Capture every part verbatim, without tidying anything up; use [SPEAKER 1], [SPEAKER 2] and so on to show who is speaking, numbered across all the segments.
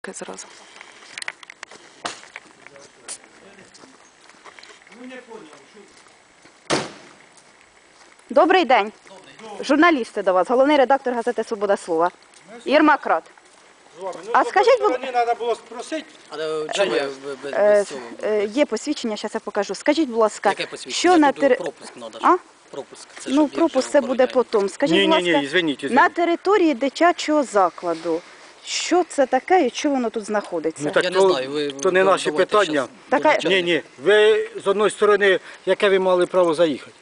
[SPEAKER 1] Зразу. Добрий день. Журналісти до вас, головний редактор газети «Свобода слова». Єрмак Рад. А скажіть, будь ласка,
[SPEAKER 2] треба було спросити.
[SPEAKER 3] Але чому я без,
[SPEAKER 1] е,
[SPEAKER 3] без цього?
[SPEAKER 1] е, є посвідчення, зараз я покажу. Скажіть, будь ласка,
[SPEAKER 3] Яке посвідчення?
[SPEAKER 1] що на
[SPEAKER 3] Тут
[SPEAKER 1] тери...
[SPEAKER 3] пропуск треба.
[SPEAKER 1] А?
[SPEAKER 3] Пропуск. Це
[SPEAKER 1] Ну,
[SPEAKER 3] щоб їх
[SPEAKER 1] пропуск
[SPEAKER 3] вже
[SPEAKER 1] це буде
[SPEAKER 3] оформляють.
[SPEAKER 1] потім. Скажіть,
[SPEAKER 2] Ні,
[SPEAKER 1] будь
[SPEAKER 2] ні, ні,
[SPEAKER 1] ласка,
[SPEAKER 2] извиніть,
[SPEAKER 1] на
[SPEAKER 2] извиніть.
[SPEAKER 1] території дитячого закладу, що це таке і що воно тут знаходиться?
[SPEAKER 2] Ну, так
[SPEAKER 3] Я не
[SPEAKER 2] то,
[SPEAKER 3] знаю, ви-
[SPEAKER 2] то не
[SPEAKER 3] ви
[SPEAKER 2] наші
[SPEAKER 3] давайте
[SPEAKER 2] питання.
[SPEAKER 3] щас
[SPEAKER 1] Така-
[SPEAKER 3] до начальника.
[SPEAKER 2] Ні, ні, ви з одної сторони, яке ви мали право заїхати?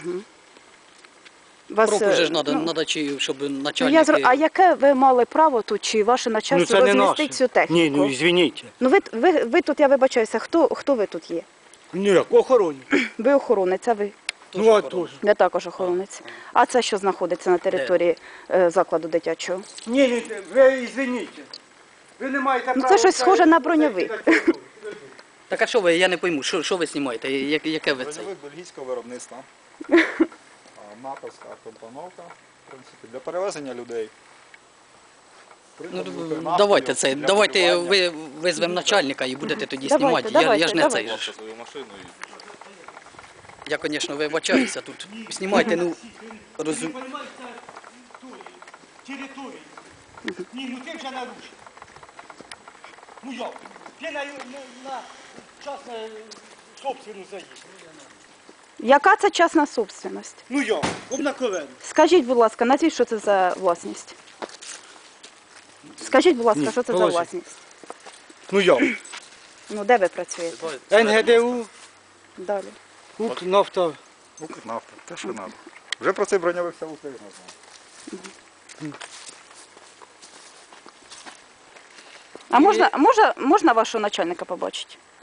[SPEAKER 1] Вас,
[SPEAKER 3] Пропуск же ж
[SPEAKER 1] е,
[SPEAKER 3] треба,
[SPEAKER 1] ну,
[SPEAKER 3] треба, чи щоб
[SPEAKER 1] ну, я
[SPEAKER 3] начальники...
[SPEAKER 1] зро... А яке ви мали право тут, чи ваше
[SPEAKER 2] Ну
[SPEAKER 1] начальство
[SPEAKER 2] це не
[SPEAKER 1] розмістить
[SPEAKER 2] наше.
[SPEAKER 1] цю техніку?
[SPEAKER 2] Ні, ну извиніть.
[SPEAKER 1] Ну, ви, ви, ви тут, я вибачаюся, хто, хто ви тут є?
[SPEAKER 2] Ні, як охороні.
[SPEAKER 1] Ви охоронець, а ви?
[SPEAKER 2] Ну, а то ж.
[SPEAKER 1] Я також охоронець. А це що знаходиться на території е, закладу дитячого?
[SPEAKER 2] Ні, ні, ви извиніть. Ви не маєте
[SPEAKER 1] Ну,
[SPEAKER 2] права...
[SPEAKER 1] це щось схоже на броньовик.
[SPEAKER 3] Так а що ви, я не пойму, що, що ви знімаєте, Я- яке ви це?
[SPEAKER 4] Броньовик бельгійського виробництва. А, натовська компоновка, в принципі, для перевезення людей.
[SPEAKER 3] Ну,
[SPEAKER 4] Придбати
[SPEAKER 3] давайте
[SPEAKER 4] нафтою
[SPEAKER 3] це,
[SPEAKER 4] для
[SPEAKER 3] давайте
[SPEAKER 4] полювання.
[SPEAKER 3] ви визвемо начальника і будете тоді
[SPEAKER 1] Давайте,
[SPEAKER 3] знімати. Я, я
[SPEAKER 1] давайте,
[SPEAKER 3] ж не
[SPEAKER 1] давайте.
[SPEAKER 3] цей. ж.
[SPEAKER 4] свою машину і...
[SPEAKER 3] Я, звісно, вибачаюся тут. Знімайте, ну, розум...
[SPEAKER 2] Території. Ні, ну ти вже нарушив. Ну як? Ти на, на, на частну собственну заїзд.
[SPEAKER 1] Яка це частна собственность?
[SPEAKER 2] Ну як? Обнаковено.
[SPEAKER 1] Скажіть, будь ласка, назвіть, що це за власність? Скажіть, будь ласка,
[SPEAKER 2] Ні,
[SPEAKER 1] що це за
[SPEAKER 2] положіть.
[SPEAKER 1] власність?
[SPEAKER 2] Ну як?
[SPEAKER 1] Ну, де ви працюєте?
[SPEAKER 2] ен ге де у,
[SPEAKER 1] Далі.
[SPEAKER 2] Укрнафта.
[SPEAKER 4] Укрнафта, те, що треба. Вже про цей броньовик вся Україна знає.
[SPEAKER 1] А можна, можна, можна вашого начальника побачити?